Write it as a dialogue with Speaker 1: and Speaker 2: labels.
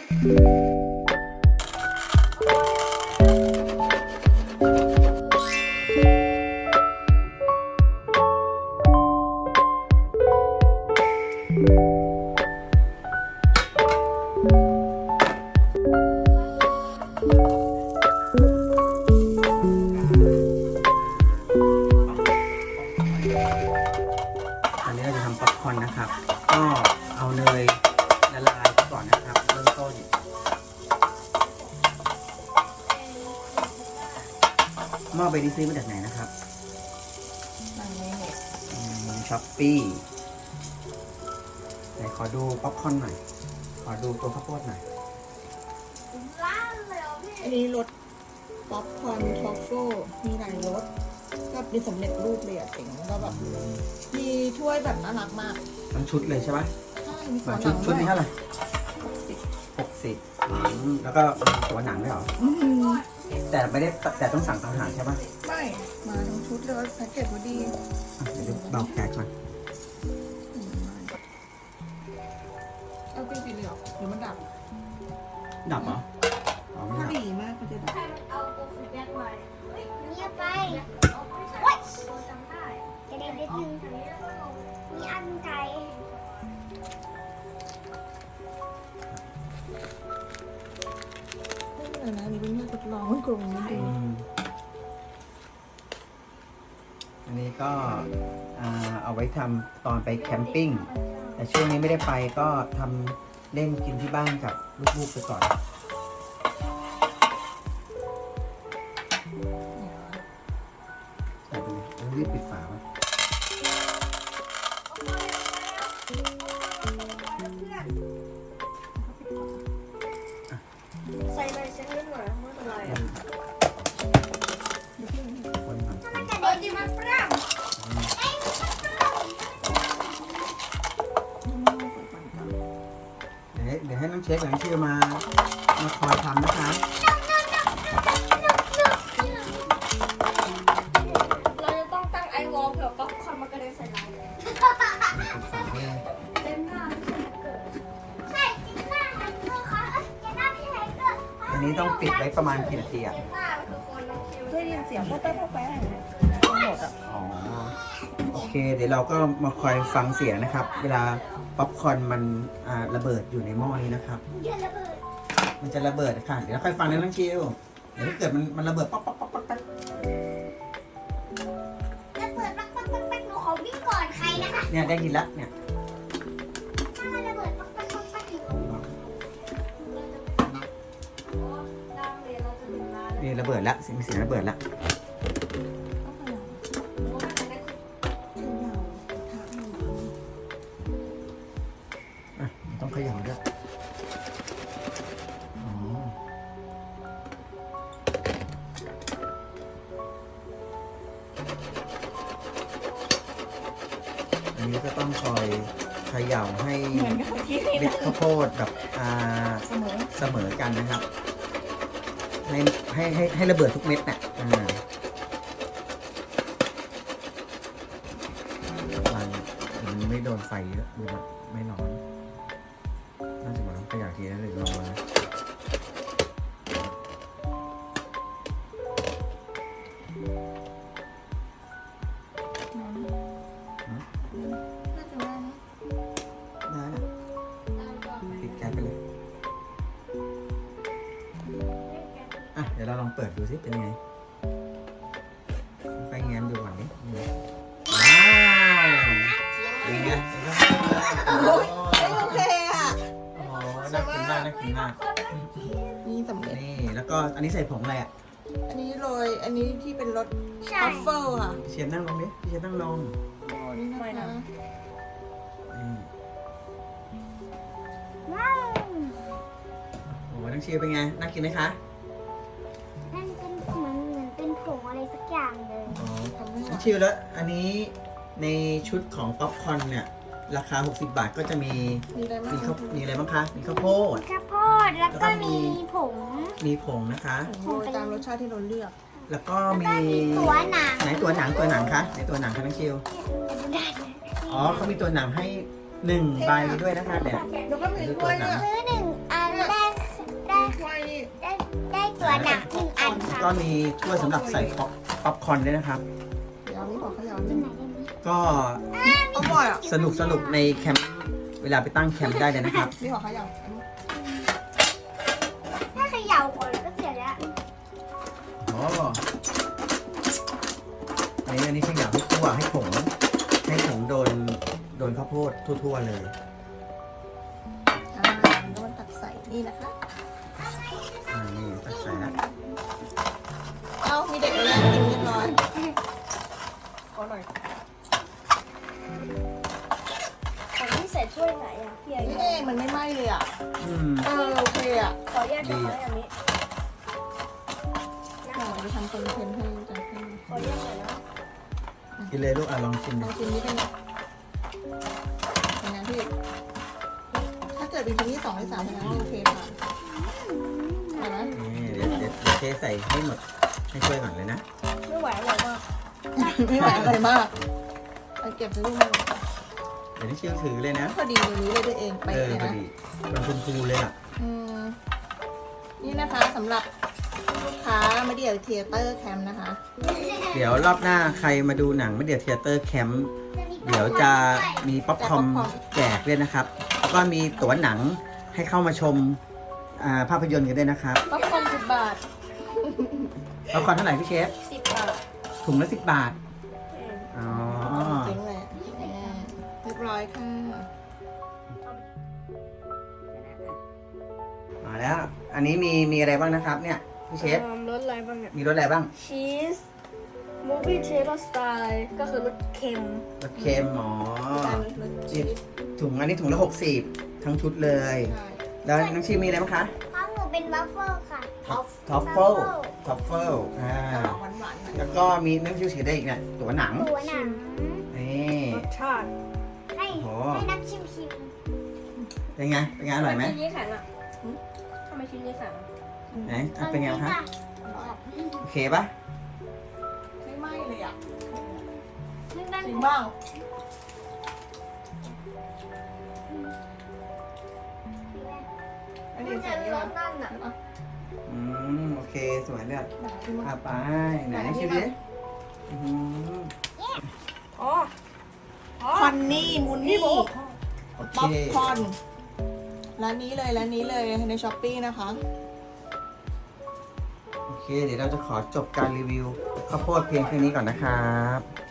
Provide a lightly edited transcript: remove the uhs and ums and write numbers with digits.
Speaker 1: อันนี้เราจะทำป๊อปคอร์นนะครับก็เอาเนยละลายก่อนนะครับเริ่มต้นหม้อใบนี้ซื้อมาจากไหนนะครับช้อปปี้ไหนขอดูป๊อปคอร์นหน่อยขอดูตัวข้าวโพดหน่อย
Speaker 2: อันนี้รสป๊อปคอร์นทรัฟเฟิลมีหลายรสก็เป็นสำเร็จรูปเลยอะเจ๋งแล้วก็แบบมีถ้วยแบบน่ารักมาก
Speaker 1: ทั้งชุดเลยใช่ไหม
Speaker 2: ใช่มีตัวห
Speaker 1: ชุ
Speaker 2: นั
Speaker 1: ด
Speaker 2: ง
Speaker 1: ชุดนี้เท่าไหร่
Speaker 2: 60
Speaker 1: 60แล้วก็ตัวหนังด้วยเหรอแต่ไม่ได้แต่ต้องสั่งต่างหากใช่ปะ
Speaker 2: ไม่มาทั้งชุดเลยแพ็กเกจพอดี
Speaker 1: เดี๋ยวดูเบาแก๊สก่อน
Speaker 2: เอาเป็นสีเหลืองหรือมันดับ
Speaker 1: ดับเหรออ๋อไม่
Speaker 2: ถ้า
Speaker 1: ดับ
Speaker 2: ดีมากก็จะดับ
Speaker 3: เงียบไปโอ๊ยจะได้นิดนึงมีอันไก่
Speaker 2: ไม่เป็นไรนะอันนี่เป็นแค่ทดลองมันกลมนิดนึง
Speaker 1: อันนี้ก็เอาไว้ทำตอนไปแคมปิ้งแต่ช่วงนี้ไม่ได้ไปก็ทำเล่นกินที่บ้านกับลูกๆไปก่อนใส่ไปเลยแล้วรีบปิดฝาไว้
Speaker 3: ใส่เลยฉันนิดหน่อยไม่เป็นไรอ่ะ
Speaker 1: คนทำ
Speaker 3: มันจะเด็ดดีมันปร่ำ
Speaker 1: เดี๋ยวให้น้องเชฟกับน้องชิวมาคอยทำนะคะ
Speaker 3: เราจะต้องตั้งไอวอลเผื่อป๊อปคอร์นมันกระเด็นใส่เรา
Speaker 1: ปิดฝาไว้เลย
Speaker 3: เต็มหน้าใช่จริงหน้ามันคือเขาจะหน้าพี่ไทเกอร์
Speaker 1: อันนี้ต้องปิดไว้ประมาณกี่นาทีอ่ะ
Speaker 3: หน้ามันคือคนน้องคิว
Speaker 2: ได้ยินเสียงพ่อแป๊บพ่อแป๊บหมดอ่ะ
Speaker 1: อ๋อโอเค เดี๋ยวเราก็มาคอยฟังเสียงนะครับ เวลาป๊อปคอร์นมันระเบิดอยู่ในหม้อนี้นะครับ
Speaker 3: เดี๋ยวระเบิด
Speaker 1: มันจะระเบิดค่ะ เดี๋ยวเราค่อยฟังนะน้องชิวเดี๋ยวถ้าเกิดมันระเบิดป๊อกป๊อกป๊อกป๊อกป๊อก
Speaker 3: ระเบิดปักปักปักปักหนูขอวิ่งก่อนใครนะคะ
Speaker 1: เนี่ยได้ยินแล้วเนี่ย
Speaker 3: ถ้ามันระเบิดปักปักปักปักอยู่
Speaker 1: นี่ระเบิดแล้วมีเสียงระเบิดแล้วอ่ะต้องเขย่าด้วยอ๋ออันนี้ก็ต้องคอยเขย่าให้
Speaker 2: เหมือนกับเมื่อกี้
Speaker 1: เม็ดข้าวโพดกับ
Speaker 2: เสมอ
Speaker 1: เสมอกันนะครับ ให้ระเบิดทุกเม็ดน่ะมันไม่โดนไฟเยอะหรือไม่ร้อนน่าจะมาขยะทีนะหรือลองมาได้ละปิดแก๊สไปเลยอ่ะเดี๋ยวเราลองเปิดดูสิเป็นยังไงไปแง้มดูก่อนดิว้าวเป็นไง
Speaker 2: โอเคอ่ะ
Speaker 1: โอ้น่ากินมากน่ากินมาก
Speaker 2: นี่สำเร็จ
Speaker 1: นี่แล้วก็อันนี้ใส่ผงอะไรอ่ะ
Speaker 2: อันนี้โรยอันนี้ที่เป็นรส
Speaker 3: ใช่
Speaker 2: ทัฟเฟิลค่ะ
Speaker 1: เชฟนั่งลงดิพี่เชฟนั่งลง
Speaker 2: โอ้นี่นะคะ
Speaker 1: นี่
Speaker 3: ว้าว
Speaker 1: โอ้น้องเชฟเป็นไงน่ากินไหมคะ
Speaker 3: นั่นเป็นเหมือนเป็นผงอะไรสักอย่างเลย
Speaker 1: อ๋อ
Speaker 2: ทำไม่
Speaker 1: น้
Speaker 2: ได้
Speaker 1: องเชฟแล้วอันนี้ในชุดของป๊อปคอร์นเนี่ยราคา60 บาทก็จะมี
Speaker 2: มีอะไรบ้าง
Speaker 1: มีอะไรบ้างคะมีข้าวโพด
Speaker 3: ข้าวโพดแล้วก็มีผง
Speaker 1: มีผงนะคะ
Speaker 2: โรยตามรสชาติที่เราเลือก
Speaker 1: แล้วก็มี
Speaker 3: ตัวหนัง
Speaker 1: ไหนตัวหนังคะไหนตัวหนังคะน้องเชฟอ๋อเขามีตัวหนังให้1 ใบด้วยนะคะเนี่ย
Speaker 2: แล้วก็มีถ้วยด้วย
Speaker 3: ซื้อ1 อันได้
Speaker 1: ก็มีถ้วยสำหรับใส่ป๊อปคอร์นด้วยนะครับ
Speaker 2: เดี๋ยวนี่บอกเขาอย่า
Speaker 3: กินไหนได้ไหม
Speaker 1: ก็
Speaker 2: อร่อยอ่ะ
Speaker 1: สนุกในแคมป์เวลาไปตั้งแคมป์ได้เลยนะครับ
Speaker 2: นี่บอกเขาอย่า
Speaker 3: ถ้าเขย่าก่อนก็เสร็จแล้ว
Speaker 1: อ๋ออันนี้ขยำให้ทั่วให้ผงโดนข้าวโพดทั่วๆเลย
Speaker 2: โดนตักใส่นี่นะคะ
Speaker 1: นี่ตักใส่แล้ว
Speaker 2: เอามีเด็กเลยกินเรียบร้อยอร่อย
Speaker 3: ของที่ใส่ถ้วยไหนอ่ะพี่ไอ้
Speaker 2: นี่เองมันไม่ไหม้เลยอ่ะ
Speaker 1: อืม
Speaker 2: โอเคอ่ะ
Speaker 3: ขอแยกกันไว้อันนี้
Speaker 2: เดี๋ยวไปทำคอนเทนต์ให้จังให้
Speaker 3: ขอแยกหน่อยนะ
Speaker 1: กินเลยลูกลองชิม
Speaker 2: ล
Speaker 1: ดู
Speaker 2: องชิมนิดนึงเป็นไงพี่ ถ้าเกิดเป็นชิ้นที่2ที่3เป็นไงโอเคค่ะอร่อยไหม
Speaker 1: นี่เดี๋ยวเทใส่ให้หมดให้ช่วยก่อนเลยนะ
Speaker 3: ไม่ไหวอร่อยมาก
Speaker 2: ไม่ไหวอะไรมากไปเก็บในรูปมัน
Speaker 1: เดี๋ยวที่ชิวถือเลยนะ
Speaker 2: พอดีเลยนี้เลยตัวเองไป
Speaker 1: เออ
Speaker 2: เลย
Speaker 1: พอ
Speaker 2: นะ
Speaker 1: ดีมันคุณครูเลยอ่ะ
Speaker 2: อืมนี่นะคะสำหรับลูกค้ามาเดี่ยวเทเตอร์แคมป์นะคะ
Speaker 1: เดี๋ยวรอบหน้าใครมาดูหนังไม่เดี๋ยวเทเตอร์แคมป์เดี๋ยวจะมีป๊อปคอร์นแจกด้วยนะครับ แล้วก็มีตั๋วหนังให้เข้ามาชมภาพยนตร์กันด้วยนะครับ
Speaker 2: ป๊อปคอร์น10 บาท
Speaker 1: ป๊อปคอร์นเท่าไหร่พี่เชฟ
Speaker 3: 10 บาท
Speaker 1: ถุงละ10 บาท อ๋อ
Speaker 2: จริงเลยเรียบร้อยค่ะ
Speaker 1: มาแล้ว อันนี้มีอะไรบ้างนะครับเนี่ยพี่เชฟ
Speaker 3: รสอะไรบ้างเนี่ย
Speaker 1: มีรสอะไรบ้าง
Speaker 3: ชีสมูฟวี่เชฟสไตล์ก็คือรสเค็ม
Speaker 1: รสเค็มหมอถุงอันนี้ถุงละ60ทั้งชุดเลย
Speaker 2: ใช่
Speaker 1: แล้วน้องชิมมีอะไรบ้างคะ
Speaker 3: ของหนูเป็นวัฟเฟิลค่ะ
Speaker 1: ท็อฟเฟิลอ่า
Speaker 2: จะออกหวานๆหน่อย
Speaker 1: แล้วก็มีน้ำชิวถือได้อีกเนี่ยตั๋วหนัง
Speaker 3: ตัวหนัง
Speaker 1: นี่
Speaker 3: รสชาติให้
Speaker 1: โอ้
Speaker 3: ให้นักชิม
Speaker 1: เป็นไงอร่อยไหม
Speaker 3: ชิ้นนี้แข็งอ่ะทำไมชิ้นนี้แข็ง
Speaker 1: ไหนเป็นไงคะ
Speaker 2: อร่อย
Speaker 1: โอเคปะ
Speaker 2: ไม่ไหม้เลยอ่ะ
Speaker 3: ไม่บ้าน
Speaker 2: จริงเปล่าอันนี้
Speaker 3: มัน
Speaker 2: ใส่
Speaker 3: จะ
Speaker 2: นี่
Speaker 3: ร
Speaker 2: ป่ะ
Speaker 3: สนั่นอ่ะ
Speaker 1: โอเคสวยเลย
Speaker 2: ชิม
Speaker 1: อ่ะ
Speaker 2: ป่ะ
Speaker 1: ไปไหนชิวดิอื้อหือ
Speaker 3: อ๋อ
Speaker 2: คอนนี่มูนนี่
Speaker 1: โอ
Speaker 2: ป๊อป
Speaker 1: เค
Speaker 2: คอร์นร้านนี้เลยในช้อปปี้นะคะ
Speaker 1: โอเค เดี๋ยวเราจะขอจบการรีวิวข้าวโพดเพียงแค่นี้ก่อนนะครับ